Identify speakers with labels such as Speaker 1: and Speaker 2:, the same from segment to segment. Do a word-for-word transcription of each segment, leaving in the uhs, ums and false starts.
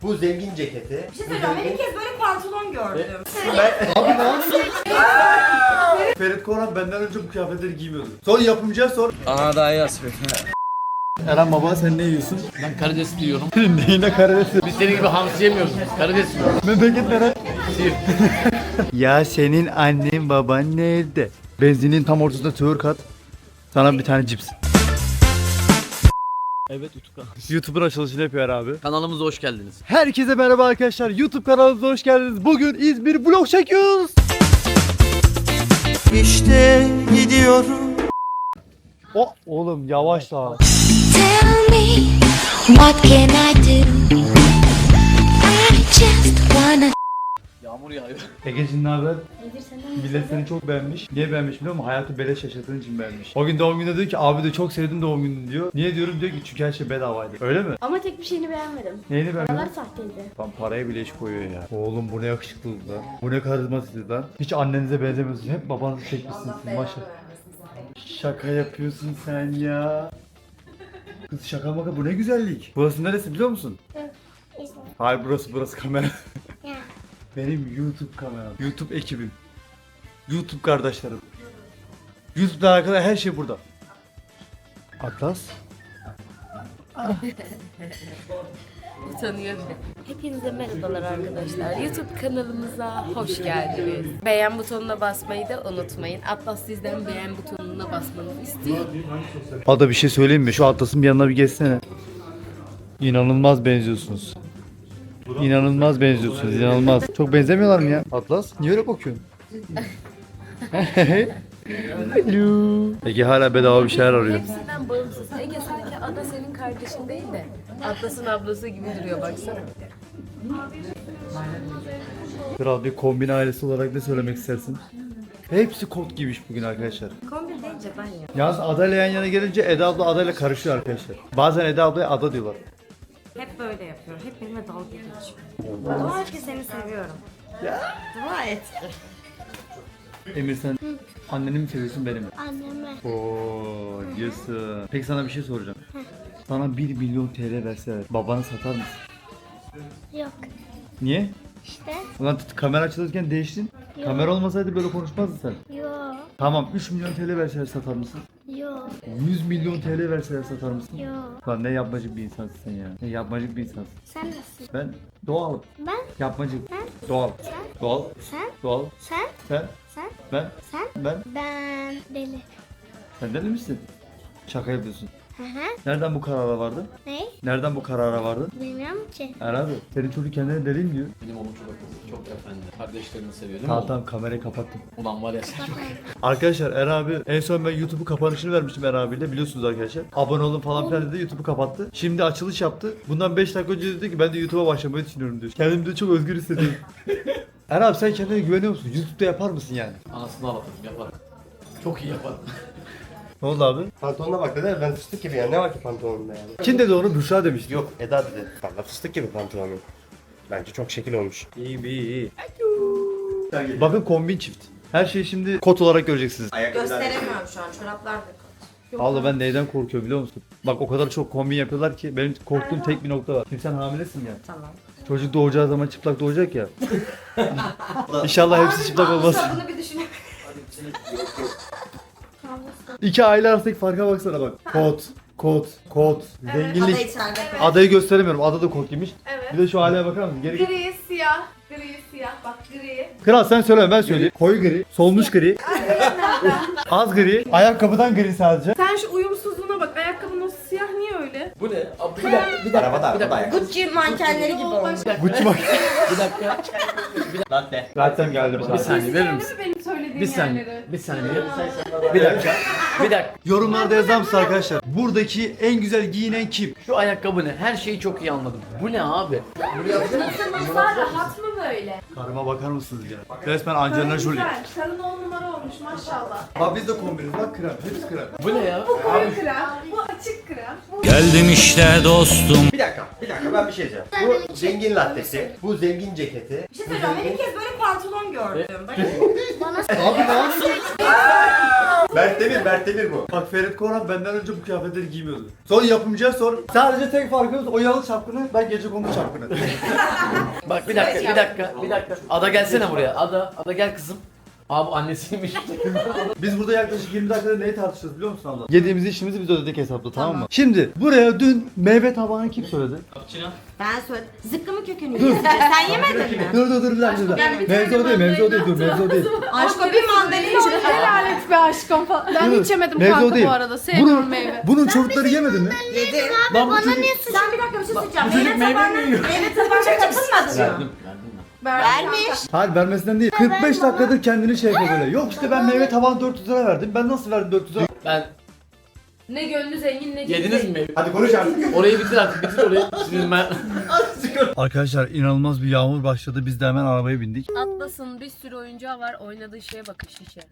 Speaker 1: Bu zengin ceketi.
Speaker 2: Bir şey söyleyeceğim, ben ilk kez böyle pantolon gördüm.
Speaker 1: Ben... Abi ne yapıyorsun? Ferit Korhan benden önce bu kıyafetleri giymiyordu. Sonra yapımcıya sor.
Speaker 3: Aha daha iyi asfalt.
Speaker 1: Eren baba sen ne yiyorsun?
Speaker 3: Ben karides yiyorum.
Speaker 1: Neyine karides?
Speaker 3: Biz senin gibi hamsi yemiyoruz. Karides yiyoruz.
Speaker 1: Memleket nere? Ya senin annen baban nerede? Benzinin tam ortasında tığır kat. Sana bir tane cips.
Speaker 3: Evet YouTube
Speaker 1: YouTube'un açılışını yapıyor abi.
Speaker 3: kanalımıza hoş geldiniz.
Speaker 1: Herkese merhaba arkadaşlar. YouTube kanalımıza hoş geldiniz. Bugün İzmir vlog çekiyoruz.
Speaker 4: İşte gidiyorum.
Speaker 1: O oğlum yavaş daha.
Speaker 5: Tell me, what can I do? I just wanna.
Speaker 3: Yağmur yağıyor.
Speaker 1: Ege'cim ne haber? Millet seni çok beğenmiş. Niye beğenmiş biliyor musun? Hayatı beleş yaşadığın için beğenmiş. O gün doğum gününde diyor ki abi de çok sevdim doğum gününü diyor. Niye diyorum diyor ki çünkü her şey bedavaydı. Öyle mi?
Speaker 6: Ama tek bir şeyini beğenmedim.
Speaker 1: Neyini
Speaker 6: Paralar
Speaker 1: beğenmedin?
Speaker 6: sahteydi.
Speaker 1: Tam paraya bile iş koyuyor ya. Oğlum bu ne yakışıklılık lan. Bu ne karizmasız lan. Hiç annenize benzemiyorsunuz. Hep babanızı çekmişsiniz siz maşallah. Şaka yapıyorsun sen ya. Kız şaka maka bu ne güzellik. Burası neresi biliyor musun? Hayır burası burası kamera. Benim YouTube kameram. YouTube ekibim. YouTube kardeşlerim. YouTube'da arkadaşlar her şey burada. Atlas.
Speaker 6: Utanıyor bile. Hepinize merhabalar arkadaşlar. YouTube kanalımıza hoş geldiniz. Beğen butonuna basmayı da unutmayın. Atlas sizden beğen butonuna basmanızı istiyor.
Speaker 1: Ada bir şey söyleyeyim mi? Şu Atlas'ın bir yanına bir geçsene. İnanılmaz benziyorsunuz. İnanılmaz benziyorsunuz, inanılmaz. Çok benzemiyorlar mı ya? Atlas, niye öyle bakıyorsun? Hello. Ege hala bedava bir şeyler arıyor.
Speaker 6: Hepsinden bağımsız. Ege sanki Ada senin kardeşin değil de Atlas'ın ablası gibi duruyor baksana.
Speaker 1: Kral bir kombin ailesi olarak ne söylemek istersin? Hepsi kot giymiş bugün arkadaşlar.
Speaker 6: Kombin deyince ben ya.
Speaker 1: Yalnız Ada ile yan yana gelince Eda abla Ada ile karışıyor arkadaşlar. Bazen Eda ablaya Ada diyorlar.
Speaker 2: Hep böyle yapıyor. Hep benimle dalga geçiyor. Dua et ki seni seviyorum. Dua et.
Speaker 1: Emir sen anneni mi seviyorsun beni mi?
Speaker 5: Anneme.
Speaker 1: Oo diyorsun. Peki sana bir şey soracağım. Sana bir milyon T L verseler babanı satar mısın?
Speaker 5: Yok.
Speaker 1: Niye?
Speaker 5: İşte.
Speaker 1: Ulan t- kamera açılırken değiştin.
Speaker 5: Yok.
Speaker 1: Kamera olmasaydı böyle konuşmazdın sen.
Speaker 5: Yok.
Speaker 1: Tamam üç milyon T L verseler satar mısın?
Speaker 5: Yok.
Speaker 1: yüz milyon T L verseler satar mısın?
Speaker 5: Yok.
Speaker 1: Lan ne yapmacık bir insansın sen ya. Ne yapmacık bir insansın.
Speaker 5: Sen nasılsın?
Speaker 1: Ben doğalım.
Speaker 5: Ben.
Speaker 1: Yapmacık.
Speaker 5: Ben.
Speaker 1: Doğal.
Speaker 5: Sen.
Speaker 1: Doğal.
Speaker 5: Sen.
Speaker 1: Doğal.
Speaker 5: Sen.
Speaker 1: Sen.
Speaker 5: Sen.
Speaker 1: Ben.
Speaker 5: Sen.
Speaker 1: Ben.
Speaker 5: Ben. Deli.
Speaker 1: Sen deli misin? Şaka yapıyorsun.
Speaker 5: Hı hı.
Speaker 1: Nereden bu karara vardın?
Speaker 5: Ne?
Speaker 1: Nereden bu karara vardın?
Speaker 5: Bilmiyorum ki.
Speaker 1: Herhalde. Senin çocuk kendine deliyim diyor.
Speaker 3: Benim oğlum çok akıllı, çok efendi. Kardeşlerini seviyor değil mi
Speaker 1: Tamam
Speaker 3: oğlum?
Speaker 1: tamam kamerayı kapattım.
Speaker 3: Ulan var ya sen çok
Speaker 1: Arkadaşlar Er abi en son ben YouTube'u kapanışını vermiştim Er abiyle biliyorsunuz arkadaşlar. Abone olun falan filan dedi YouTube'u kapattı. Şimdi açılış yaptı. Bundan beş dakika önce dedi ki ben de YouTube'a başlamayı düşünüyorum diyor. Kendimi de çok özgür hissediyorum. Er abi sen kendine güveniyor musun? YouTube'da yapar mısın yani?
Speaker 3: anasını ağlatırım yapar. Çok iyi yapar.
Speaker 1: Ne oldu abi?
Speaker 7: Pantolonuna bak dedi, ben fıstık gibi ya. Ne var ki pantolonunda yani?
Speaker 1: Kim dedi onu? Büşra demişti.
Speaker 7: Yok, Eda dedi. Valla fıstık gibi pantolonun. Bence çok şekil olmuş.
Speaker 1: İyi iyi iyi. Bakın kombin çift. Her şeyi şimdi kot olarak göreceksiniz.
Speaker 2: Gösteremiyorum şu an. Çoraplar da kot.
Speaker 1: Vallahi ben neyden korkuyorum biliyor musun? Bak o kadar çok kombin yapıyorlar ki benim korktuğum tek bir nokta var. Şimdi sen hamilesin ya.
Speaker 2: Tamam.
Speaker 1: Çocuk doğacağı zaman çıplak doğacak ya. İnşallah hepsi çıplak olmaz.
Speaker 2: Bunu bir düşünün.
Speaker 1: İki aile arasındaki farka baksana bak. Kot, kot, kot,
Speaker 2: Ada
Speaker 1: zenginlik.
Speaker 2: içeride.
Speaker 1: Adayı gösteremiyorum. Ada da kot giymiş.
Speaker 8: Evet.
Speaker 1: Bir de şu aileye bakar mısın? Geri git.
Speaker 8: Gri, siyah, gri, siyah. Bak gri.
Speaker 1: Kral sen söyleme ben söyleyeyim. Koyu gri, solmuş gri, az gri, ayakkabıdan gri sadece.
Speaker 8: Sen şu uyumsuzluğuna bak. Ayakkabının o siyah niye öyle?
Speaker 3: Bu ne? Abi, bir dakika, bir dakika,
Speaker 7: Arabada,
Speaker 3: bir dakika.
Speaker 7: arabada.
Speaker 2: Gucci mankenleri gibi olmuş.
Speaker 1: Gucci bak.
Speaker 3: Bir dakika.
Speaker 7: Latte.
Speaker 1: Zaten geldim.
Speaker 3: Bir saniye verir misin?
Speaker 8: Değil mi benim söylediğim
Speaker 3: Bir saniye.
Speaker 8: yerleri?
Speaker 3: Bir saniye. Bir dakika. Bir dakika.
Speaker 1: Yorumlarda yazar mısın arkadaşlar? Buradaki en güzel giyinen kim?
Speaker 3: Şu ayakkabı ne? Her şeyi çok iyi anladım. Bu ne abi?
Speaker 8: Masa rahat mı böyle?
Speaker 1: Karıma bakar mısınız ya? Resmen Angelina Jolie.
Speaker 8: Güzel. Karın on numara olmuş maşallah.
Speaker 1: Bak biz de kombiniz. Bak krem. Hepsi krem.
Speaker 3: Bu ne ya?
Speaker 8: Bu koyu krem, bu açık krem. Bu
Speaker 9: Geldim işte dostum.
Speaker 7: Bir dakika, bir dakika ben bir şey diyeceğim. Bu zengin lattesi, bu zengin ceketi.
Speaker 2: Bir şey söyleyeceğim. Ben ilk kez böyle pantolon gördüm. Bakın.
Speaker 5: Bana.
Speaker 1: Abi ne yapıyorsun?
Speaker 7: Mert Demir, Mert Demir bu.
Speaker 1: Bak Ferit Korhan benden önce bu kıyafetleri giymiyordu. Sonra yapımcıya sor. Sadece tek farkımız o yalı çapkını, ben gecekondu çapkını.
Speaker 3: Bak bir dakika, bir dakika, bir dakika. Ada gelsene buraya. Ada, Ada gel kızım. Aa bu annesiymiş.
Speaker 1: Biz burada yaklaşık yirmi dakikada neyi tartışıyoruz biliyor musun abla? Yediğimiz işimizi biz ödedik hesapta, tamam mı? Şimdi buraya dün meyve tabağını kim söyledi?
Speaker 2: Ben söyledim. Zıkkımı kökünü yiyeceğiz. Sen yemedin mi?
Speaker 1: Dur dur dur bir dakika, bir dakika. Mevzu o değil, mevzu o değil, dur mevzu o değil.
Speaker 2: Aşko bir mandalina.
Speaker 8: Helal et be aşkım falan. Ben
Speaker 1: Dur,
Speaker 8: hiç yemedim
Speaker 1: mevzu o
Speaker 8: kanka
Speaker 1: değil.
Speaker 8: bu arada. Sevmiyorum
Speaker 1: Bunun,
Speaker 8: meyve.
Speaker 1: bunun çocukları yemedi mi?
Speaker 2: Yedi.
Speaker 1: Lan bu
Speaker 5: Bana
Speaker 1: çocuk...
Speaker 5: niye suç?
Speaker 2: Sen bir dakika bir şey söyleyeceğim.
Speaker 3: Bu çocuk
Speaker 2: Meyve
Speaker 3: meyve
Speaker 2: tabağına,
Speaker 3: mi yiyor?
Speaker 2: meyve tabağına katılmadın mı?
Speaker 3: Verdim, verdim ben.
Speaker 2: Vermiş.
Speaker 1: Hayır vermesinden değil. kırk beş dakikadır kendini şey yapıyor böyle. Yok işte ben meyve tabağına dört yüz lira verdim. Ben nasıl verdim dört yüz lira?
Speaker 3: Ben
Speaker 6: Ne gönlü zengin ne
Speaker 3: yediniz mi meyve?
Speaker 7: Hadi konuş artık.
Speaker 3: Orayı bitir artık, bitir orayı. Şimdi ben...
Speaker 1: Arkadaşlar inanılmaz bir yağmur başladı. Biz de hemen arabaya bindik.
Speaker 6: Atlas'ın bir sürü oyuncağı var. Oynadığı şeye bakın şişe.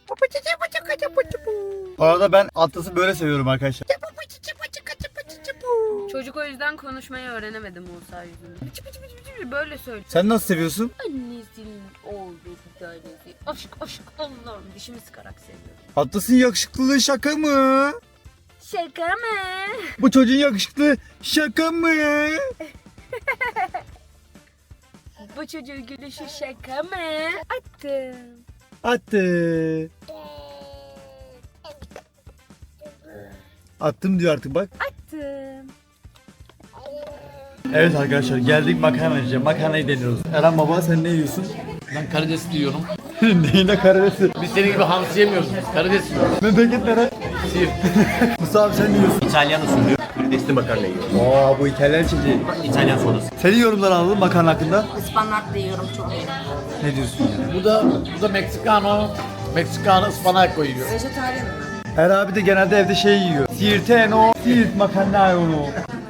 Speaker 1: Bu arada ben Atlas'ı böyle seviyorum arkadaşlar.
Speaker 6: Çocuk o yüzden konuşmayı öğrenemedi Musa yüzünden. Bıçı bıçı bıçı bıçı böyle söyle.
Speaker 1: Sen nasıl seviyorsun?
Speaker 6: Annesinin oğlu bir tanesi. Aşk aşk Allah'ım dişimi sıkarak seviyorum.
Speaker 1: Atlas'ın yakışıklılığı şaka mı?
Speaker 6: Şaka mı?
Speaker 1: Bu çocuğun yakışıklı şaka mı?
Speaker 6: Bu çocuğun gülüşü şaka mı? Attım.
Speaker 1: Attı. Attım diyor artık bak.
Speaker 6: Attım.
Speaker 1: Evet arkadaşlar geldik makarna yiyeceğim. Makarnayı deniyoruz. Eren baba sen ne yiyorsun?
Speaker 3: Ben karides diyorum.
Speaker 1: Neyine karidesi?
Speaker 3: Biz senin gibi hamsi yemiyoruz. Karides yiyoruz.
Speaker 1: Memleket nere?
Speaker 3: Siirt.
Speaker 1: Musa abi sen ne yiyorsun?
Speaker 7: İtalyan usulü karidesli makarna yiyor.
Speaker 1: Aa bu İtalyan çiçeği.
Speaker 7: İtalyan sodası.
Speaker 1: Senin yorumları alalım makarna hakkında.
Speaker 2: Ispanak da yiyorum çok iyi.
Speaker 1: Ne diyorsun ya?
Speaker 3: Bu da, bu da Meksikano. Meksikano ıspanak koyuyor.
Speaker 2: Vejetaryen mi?
Speaker 1: Her abi de genelde evde şey yiyor. Siirteno, Siirt makarna onu.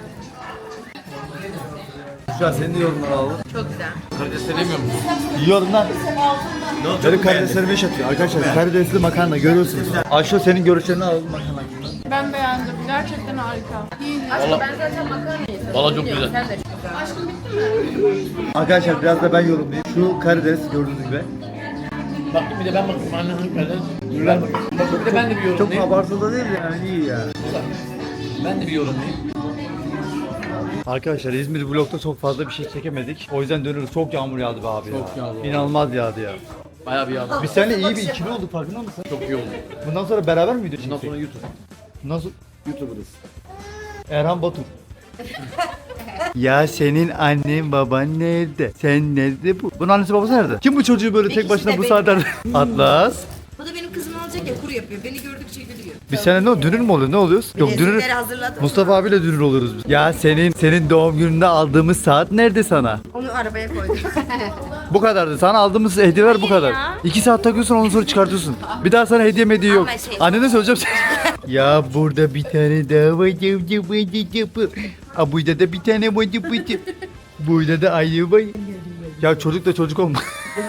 Speaker 1: Şu an senin de yorumları alalım.
Speaker 6: Çok güzel.
Speaker 3: Karides sevmiyor musun?
Speaker 1: Yiyorum lan. Benim karideslerime iş atıyor. Arkadaşlar karidesli makarna görüyorsunuz. Ayşe senin görüşlerini alalım makarna hakkında.
Speaker 8: Ben beğendim. Gerçekten harika.
Speaker 3: Valla,
Speaker 6: Ben zaten makarnayı
Speaker 3: valla çok güzel.
Speaker 6: Sen de çok güzel.
Speaker 1: Arkadaşlar biraz da ben yorumlayayım. Şu karides gördüğünüz gibi.
Speaker 3: Bak bir de ben bakayım annenin karides. Ver bakayım. Bak bir de ben de bir
Speaker 1: Çok
Speaker 3: yorumlayayım.
Speaker 1: abartılı değil yani iyi ya.
Speaker 3: Ben de bir yorumlayayım.
Speaker 1: Arkadaşlar İzmir vlogda çok fazla bir şey çekemedik. O yüzden dönüyoruz. Çok yağmur yağdı be abi ya.
Speaker 3: Çok yağdı.
Speaker 1: İnanılmaz yağdı ya.
Speaker 3: Bayağı bir yağdı.
Speaker 1: Biz seninle iyi bir ikili olduk farkında mısın?
Speaker 3: Çok iyi oldu.
Speaker 1: Bundan sonra beraber mi video
Speaker 3: Bundan
Speaker 1: çekecek?
Speaker 3: sonra YouTube.
Speaker 1: Nasıl? YouTuber'ız. Erhan Batur. Ya senin annen baban nerede? Sen nerede bu? Bunun annesi babası nerede? Kim bu çocuğu böyle tek başına bu saatlerde? Atlas.
Speaker 2: Bu da benim kızım olacak ya kuru yapıyor. Beni gördükçe gülüyor.
Speaker 1: Biz seninle ne oluyor? Dünür mü oluyor? Ne oluyoruz? Yok dünür.
Speaker 2: Lezzetleri hazırladım.
Speaker 1: Mustafa abiyle dünür oluyoruz biz. Ya senin senin doğum gününde aldığımız saat nerede sana?
Speaker 2: Onu arabaya koydum.
Speaker 1: Bu kadardı. Sana aldığımız hediyeler bu kadar. İki saat takıyorsun ondan sonra çıkartıyorsun. Bir daha sana hediye hediye yok.
Speaker 2: Ama şey-
Speaker 1: Annene söyleyeceğim. Ya burada bir tane daha var. Ha burada da bir tane var. Burada da ayı var. Ya çocuk da çocuk olma.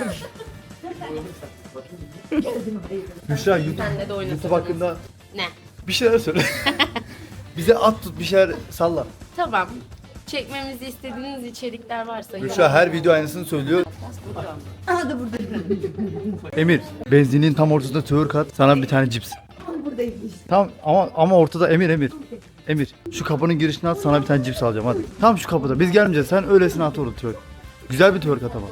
Speaker 1: Müşra YouTube,
Speaker 6: Senle de oynasın.
Speaker 1: YouTube hakkında
Speaker 6: Ne?
Speaker 1: bir şeyler söyle. Bize at tut bir şeyler salla.
Speaker 6: Tamam. Çekmemizi istediğiniz içerikler varsa
Speaker 1: Müşra her video aynısını söylüyor.
Speaker 6: burada.
Speaker 2: Aha da burada.
Speaker 1: Emir, benzinin tam ortasında twerk at, sana bir tane cips. Tam ama ama ortada Emir Emir. Emir, şu kapının girişine at, sana bir tane cips alacağım hadi. Tam şu kapıda. Biz gelmeyeceğiz. Sen öylesine at orada twerk. Güzel bir twerk at ama.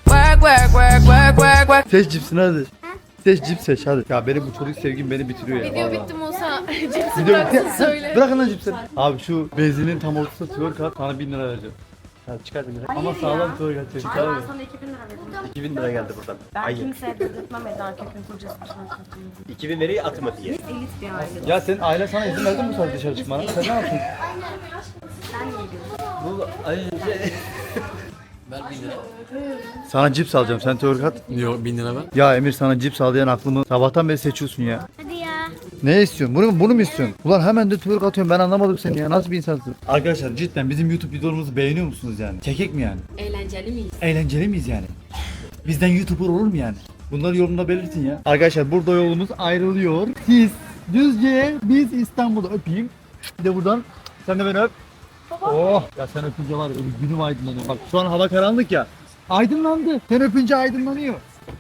Speaker 1: Seç cipsini hadi. Seç cips seç hadi. Ya benim bu çocuk sevgim beni bitiriyor ya.
Speaker 6: Video
Speaker 1: vallahi.
Speaker 6: bitti Musa. Cipsi
Speaker 1: Video
Speaker 6: bıraksın
Speaker 1: bitti.
Speaker 6: söyle.
Speaker 1: Bırakın lan cipsleri. Abi şu benzinin tam ortasında twerk at, sana bin lira vereceğim. Hadi çıkar bin lira. Ama sağlam twerk at. Çıkar
Speaker 2: Ben
Speaker 1: mı?
Speaker 2: sana iki bin lira verdim.
Speaker 7: iki bin lira geldi buradan.
Speaker 2: Ben
Speaker 7: Hayır.
Speaker 2: kimseye dedirtmem Eda Kök'ün kocası.
Speaker 7: iki bin lirayı atma diye.
Speaker 2: Elit bir aile.
Speaker 1: Ya senin ailen sana izin verdi mi bu saat dışarı çıkmana? Sen ne yaptın?
Speaker 2: Sen niye gülüyorsun?
Speaker 3: Ver bin lira.
Speaker 1: Sana cips alacağım. Sen twerk at.
Speaker 3: Yok bin lira ver.
Speaker 1: Ya Emir sana cips al diyen aklımı sabahtan beri seçiyorsun ya.
Speaker 5: Hadi ya.
Speaker 1: Ne istiyorsun? Bunu, bunu mu istiyorsun? Ulan hemen de twerk atıyorum ben anlamadım seni ya. Nasıl bir insansın? Arkadaşlar cidden bizim YouTube videolarımızı beğeniyor musunuz yani? Çekek mi yani?
Speaker 6: Eğlenceli miyiz?
Speaker 1: Eğlenceli miyiz yani? Bizden YouTuber olur mu yani? Bunları yorumda belirtin ya. Arkadaşlar burada yolumuz ayrılıyor. Siz Düzce'ye, biz İstanbul'da öpeyim. Bir de buradan sen de beni öp. Oh ya sen öpünce var ya günüm aydınlanıyor. Bak şu an hava karanlık ya. Aydınlandı. Sen öpünce aydınlanıyor.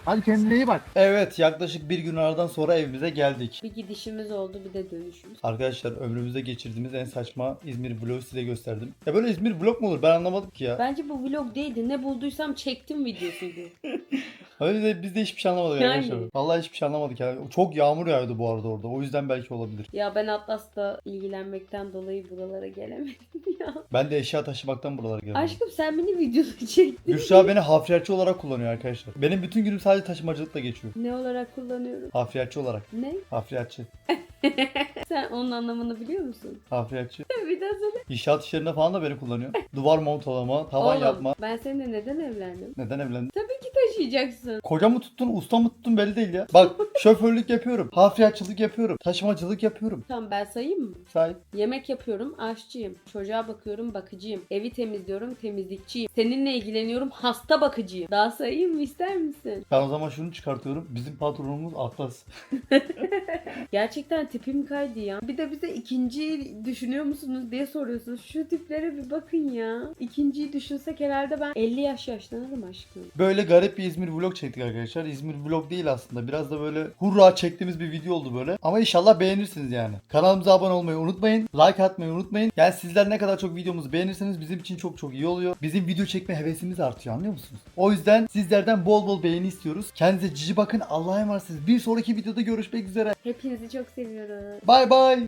Speaker 1: Hadi kendine iyi bak. Evet, yaklaşık bir gün aradan sonra evimize geldik.
Speaker 6: Bir gidişimiz oldu, bir de dönüşümüz.
Speaker 1: Arkadaşlar ömrümüzde geçirdiğimiz en saçma İzmir vlogu size gösterdim. Ya böyle İzmir vlog mu olur? Ben anlamadım ki ya.
Speaker 6: Bence bu vlog değildi. Ne bulduysam çektim videosuydu.
Speaker 1: Öyle de biz de hiçbir şey anlamadık
Speaker 6: Yani.
Speaker 1: arkadaşlar. Vallahi hiçbir şey anlamadık ya. Çok yağmur yağıyordu bu arada orada. O yüzden belki olabilir.
Speaker 6: Ya ben Atlas'la ilgilenmekten dolayı buralara gelemedim ya.
Speaker 1: Ben de eşya taşımaktan buralara geldim.
Speaker 6: Aşkım sen beni videoda çektin.
Speaker 1: Gülşah beni hafriyatçı olarak kullanıyor arkadaşlar. Benim bütün günüm sadece taşımacılıkla geçiyor.
Speaker 6: Ne olarak kullanıyorum?
Speaker 1: Hafriyatçı olarak.
Speaker 6: Ne?
Speaker 1: Hafriyatçı.
Speaker 6: Sen onun anlamını biliyor musun?
Speaker 1: Hafriyatçı.
Speaker 6: Bir daha söyle.
Speaker 1: İnşaat işlerinde falan da beni kullanıyor. Duvar montalama, tavan
Speaker 6: Oğlum,
Speaker 1: yapma.
Speaker 6: ben seninle neden evlendim?
Speaker 1: Neden evlendin?
Speaker 6: Tabii ki taşıyacaksın.
Speaker 1: Koca mı tuttun, usta mı tuttun belli değil ya. Bak şoförlük yapıyorum, hafriyatçılık yapıyorum, taşımacılık yapıyorum.
Speaker 6: Tamam ben sayayım mı?
Speaker 1: Sahip.
Speaker 6: Yemek yapıyorum, aşçıyım. Çocuğa bakıyorum, bakıcıyım. Evi temizliyorum, temizlikçiyim. Seninle ilgileniyorum, hasta bakıcıyım. Daha sayayım mı, ister misin?
Speaker 1: Ben o zaman şunu çıkartıyorum. Bizim patronumuz Atlas.
Speaker 6: Gerçekten tipim kaydı ya. Bir de bize ikinciyi düşünüyor musunuz diye soruyorsunuz. Şu tiplere bir bakın ya. İkinciyi düşünsek herhalde ben elli yaş yaşlanırım aşkım.
Speaker 1: Böyle garip bir İzmir vlog çektik arkadaşlar. İzmir vlog değil aslında. Biraz da böyle hurra çektiğimiz bir video oldu böyle. Ama inşallah beğenirsiniz yani. Kanalımıza abone olmayı unutmayın. Like atmayı unutmayın. Yani sizler ne kadar çok videomuzu beğenirseniz bizim için çok çok iyi oluyor. Bizim video çekme hevesimiz artıyor, anlıyor musunuz? O yüzden sizlerden bol bol beğeni istiyoruz. Kendinize cici bakın. Allah'a emanetsiniz. Bir sonraki videoda görüşmek üzere.
Speaker 6: Hepinizi çok seviyorum.
Speaker 1: Bay bay.